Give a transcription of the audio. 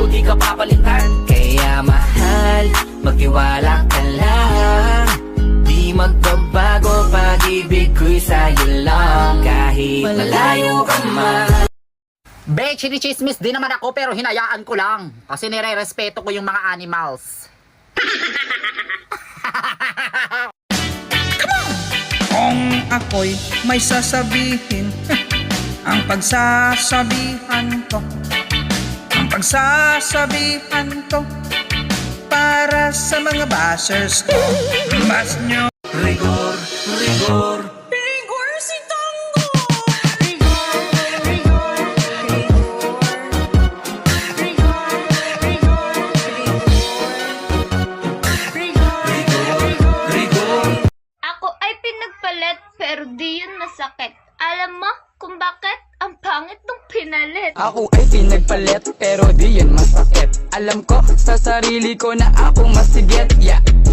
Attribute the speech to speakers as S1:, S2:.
S1: di ka papalitan. Kaya mahal, magtiwala ka lang. Di magbabago pag-ibig ko'y sa'yo lang. Kahit malayo ka man.
S2: Be, chinichismis din naman ako pero hinayaan ko lang. Kasi nire-respeto ko yung mga animals.
S3: Kung ako'y may sasabihin, ang pagsasabihan ko, para sa mga bashers ko. Mas nyo
S1: Rigor, rigor.
S3: Rigor si Tango.
S4: Ako ay pinagpalit pero di yun masakit. Alam mo kung bakit? Ang pangit nung pinalit.
S5: Ako ay pinagpalit pero di yun masakit. Alam ko sa sarili ko na ako masigit. Yeah.